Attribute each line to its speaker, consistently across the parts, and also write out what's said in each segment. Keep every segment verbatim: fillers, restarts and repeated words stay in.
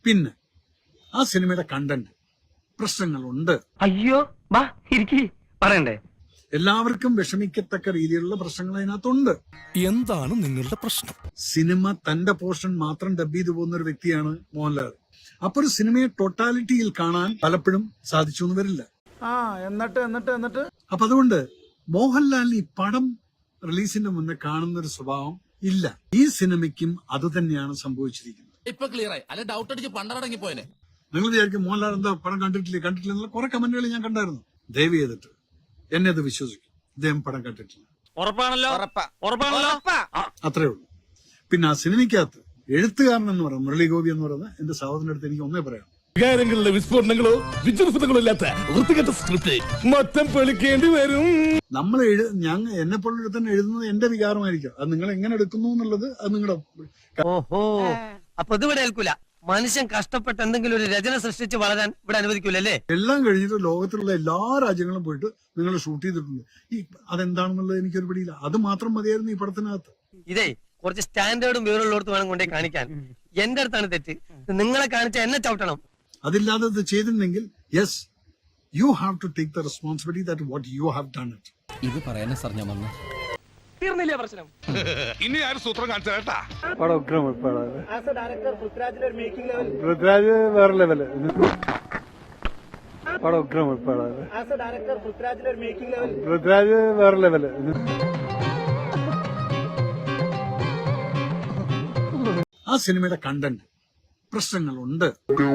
Speaker 1: പിന്നെ ആ സിനിമയുടെ കണ്ടന്റ് പ്രശ്നങ്ങളുണ്ട്.
Speaker 2: അയ്യോ വാ ഇരിക്കി പറയണ്ടേ.
Speaker 1: എല്ലാവർക്കും വിഷമിക്കത്തക്ക രീതിയിലുള്ള പ്രശ്നങ്ങൾ അതിനകത്തുണ്ട്.
Speaker 3: എന്താണ് നിങ്ങളുടെ പ്രശ്നം?
Speaker 1: സിനിമ തന്റെ പോർഷൻ മാത്രം ഡബ് ചെയ്തു പോകുന്ന ഒരു വ്യക്തിയാണ് മോഹൻലാൽ. അപ്പൊ ഒരു സിനിമയെ ടോട്ടാലിറ്റിയിൽ കാണാൻ പലപ്പോഴും സാധിച്ചു എന്ന് വരില്ല.
Speaker 4: ആ എന്നിട്ട് എന്നിട്ട് എന്നിട്ട്
Speaker 1: അപ്പൊ അതുകൊണ്ട് മോഹൻലാലിന് ഈ പടം റിലീസിന്റെ മുന്നേ കാണുന്ന ഒരു സ്വഭാവം ഇല്ല. ഈ സിനിമയ്ക്കും അത് തന്നെയാണ് സംഭവിച്ചിരിക്കുന്നത്.
Speaker 5: ഇപ്പൊ ക്ലിയർ ആയി. അല്ലെ ഡൗട്ട് അടിച്ച് പണ്ടടങ്ങി പോയനെ.
Speaker 1: നിങ്ങൾ വിചാരിക്കും മോഹൻലാൽ എന്താ പടം കണ്ടിട്ടില്ലേ കണ്ടിട്ടില്ല എന്നുള്ള കുറെ കമന്റുകൾ ഞാൻ കണ്ടായിരുന്നു. ദയവ് ചെയ്തിട്ട് എന്നെ അത് വിശ്വസിക്കും, ഇദ്ദേഹം പടം കണ്ടിട്ടില്ല.
Speaker 2: ഉറപ്പാണല്ലോ ഉറപ്പാണല്ലോ
Speaker 1: അത്രേ ഉള്ളൂ. പിന്നെ ആ സിനിമയ്ക്കകത്ത് എഴുത്തുകാരൻ എന്ന് പറയുന്നത് മുരളി ഗോപി എന്ന് പറയുന്നത് എന്റെ സഹോദരന്റെ അടുത്ത് എനിക്ക് ഒന്നേ പറയാം.
Speaker 3: വികാരങ്ങളുടെ വിസ്ഫോടനങ്ങളോ വിജൃംഭണങ്ങളോ ഇല്ലാത്ത വൃത്തികെട്ട സ്ക്രിപ്റ്റ് മൊത്തം പൊളിക്കേണ്ടി വരും.
Speaker 1: നമ്മൾ എഴു ഞാൻ എന്നെ പോലുള്ള തന്നെ എഴുതുന്നത് എന്റെ വികാരമായിരിക്കും. അത് നിങ്ങൾ എങ്ങനെ എടുക്കുന്നു എന്നുള്ളത് അത് നിങ്ങളുടെ.
Speaker 2: ഓഹോ അപ്പൊ ഇതിവിടെ ഏൽക്കൂല. മനുഷ്യൻ കഷ്ടപ്പെട്ട് എന്തെങ്കിലും ഒരു രചന സൃഷ്ടിച്ച് വളരാൻ ഇവിടെ അനുവദിക്കൂലല്ലേ?
Speaker 1: എല്ലാം കഴിഞ്ഞിട്ട് ലോകത്തിലുള്ള എല്ലാ രാജ്യങ്ങളും പോയിട്ട് നിങ്ങൾ ഷൂട്ട് ചെയ്തിട്ടുണ്ട്. ഈ അതെന്താണെന്നുള്ളത് എനിക്കൊരു പിടിയില്ല. അത് മാത്രം മതിയായിരുന്നു ഈ പടത്തിനകത്ത്.
Speaker 2: ഇതേ കുറച്ച് സ്റ്റാൻഡേർഡും വിവരമുള്ളടത്ത് വേണം കൊണ്ടേ കാണിക്കാൻ. എന്റെ അടുത്താണ് തെറ്റ്. നിങ്ങളെ കാണിച്ച എന്നെ ചവിട്ടണം.
Speaker 1: അതില്ലാതെ ഇത് ചെയ്തിട്ടുണ്ടെങ്കിൽ yes you have to take the responsibility that what you have done it.
Speaker 5: ഇത് പറയാനാ സാർ ഞാൻ വന്നു.
Speaker 2: തീർന്നില്ലേ പ്രശ്നം?
Speaker 3: ഇനി ആരും സൂത്രം കാണിച്ചാ
Speaker 4: പടം ഉഗ്രം പടം. പൃഥ്വിരാജ് വേറെ ലെവല്. പടം ഉഗ്രം പടം. പൃഥ്വിരാജ് വേറെ ലെവല്.
Speaker 1: ആ സിനിമയുടെ കണ്ടന്റ് പ്രശ്നങ്ങളുണ്ട്.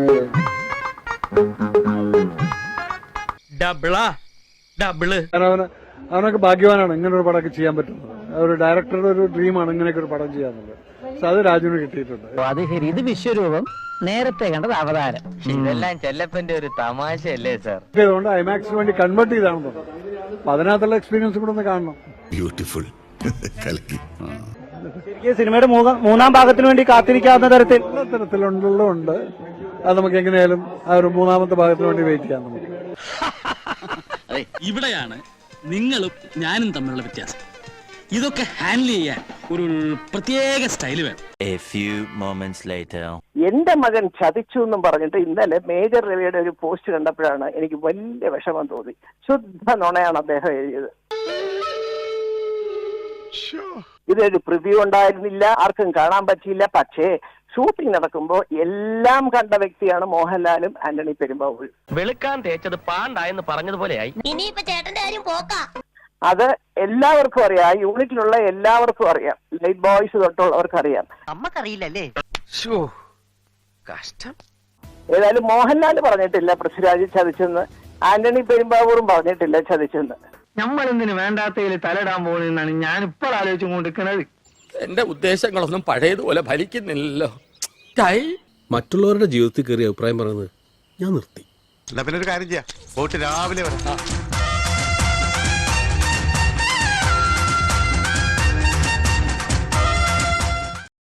Speaker 2: ഡബിളാ ഡബിള്.
Speaker 4: അവന് അവനൊക്കെ ഭാഗ്യവാനാണ് ഇങ്ങനെ ഒരു പടമൊക്കെ ചെയ്യാൻ പറ്റുന്നത്. ഒരു ഡയറക്ടറുടെ ഒരു ഡ്രീമാണ് ഇങ്ങനെയൊക്കെ ഒരു പടം ചെയ്യാന്നുള്ളത്. പക്ഷെ അത് രാജുവിന് കിട്ടിയിട്ടുണ്ട്.
Speaker 6: അത് ശരി. ഇത് വിശ്വരൂപം, നേരത്തെ കണ്ടത് അവതാരം. ഇതെല്ലാം ചെല്ലപ്പന്റെ ഒരു തമാശയല്ലേ സാർ?
Speaker 4: അതുകൊണ്ട് ഐമാക്സിന് വേണ്ടി കൺവേർട്ട് ചെയ്താണെന്ന് തോന്നുന്നു. അപ്പൊ അതിനകത്തുള്ള എക്സ്പീരിയൻസ് കൂടെ ഒന്ന് കാണണം.
Speaker 3: ബ്യൂട്ടിഫുൾ.
Speaker 4: ശരിക്കും സിനിമയുടെ മൂന്നാം ഭാഗത്തിന് വേണ്ടി കാത്തിരിക്കാവുന്ന തരത്തിൽ തരത്തിലുണ്ടുള്ളതുണ്ട്. അത് നമുക്ക് എങ്ങനെയാലും ആ ഒരു മൂന്നാമത്തെ ഭാഗത്തിന് വേണ്ടി വെയിറ്റ് ചെയ്യാം. നമുക്ക്
Speaker 7: ഇവിടെയാണ് നിങ്ങളും ഞാനും തമ്മിലുള്ള വ്യത്യാസം. ഇതൊക്കെ ഹാൻഡിൽ ചെയ്യാൻ ഒരു പ്രത്യേക സ്റ്റൈല് വേണം.
Speaker 8: A few moments later.
Speaker 9: എന്റെ മകൻ ചതിച്ചു എന്നും പറഞ്ഞിട്ട് ഇന്നലെ മേജർ രവിയുടെ ഒരു പോസ്റ്റ് കണ്ടപ്പോഴാണ് എനിക്ക് വലിയ വിഷമം തോന്നി. ശുദ്ധ നുണയാണ് അദ്ദേഹം എഴുതിയത്. ഇതൊരു പ്രിവ്യൂ ഉണ്ടായിരുന്നില്ല, ആർക്കും കാണാൻ പറ്റിയില്ല. പക്ഷേ ഷൂട്ടിംഗ് നടക്കുമ്പോൾ എല്ലാം കണ്ട വ്യക്തിയാണ് മോഹൻലാലും ആന്റണി പെരുമ്പാവൂരും.
Speaker 2: വെളുക്കാൻ തേച്ചത് പാണ്ടായെന്ന് പറഞ്ഞതുപോലെയായി.
Speaker 10: ഇനിയിപ്പോ ചേട്ടന്റെ കാര്യം പോക്കാ.
Speaker 9: അത് എല്ലാവർക്കും അറിയാം. ആ യൂണിറ്റിലുള്ള എല്ലാവർക്കും അറിയാം. ലൈറ്റ് ബോയ്സ് തൊട്ടുള്ളവർക്ക് അറിയാം.
Speaker 6: നമ്മക്കറിയില്ലല്ലേ?
Speaker 2: കഷ്ടം.
Speaker 9: ഏതായാലും മോഹൻലാൽ പറഞ്ഞിട്ടില്ല പൃഥ്വിരാജ് ചതിച്ചെന്ന്. ആന്റണി പെരുമ്പാവൂറും പറഞ്ഞിട്ടില്ല ചതിച്ചെന്ന്.
Speaker 2: നമ്മൾ എന്തിനു വേണ്ടാത്തതിൽ തലയിടാൻ പോകുന്നതാണ് ഞാൻ ഇപ്പോൾ ആലോചിച്ചു കൊണ്ടിരിക്കുന്നത്.
Speaker 5: എന്റെ ഉദ്ദേശങ്ങളൊന്നും പഴയതുപോലെ ഫലിക്കുന്നില്ലല്ലോ.
Speaker 3: മറ്റുള്ളവരുടെ ജീവിതത്തിൽ കയറി അഭിപ്രായം പറയുന്നത് ഞാൻ നിർത്തി.
Speaker 4: പിന്നെ ഒരു കാര്യം ചെയ്യാം. പോയിട്ട് രാവിലെ വരാം.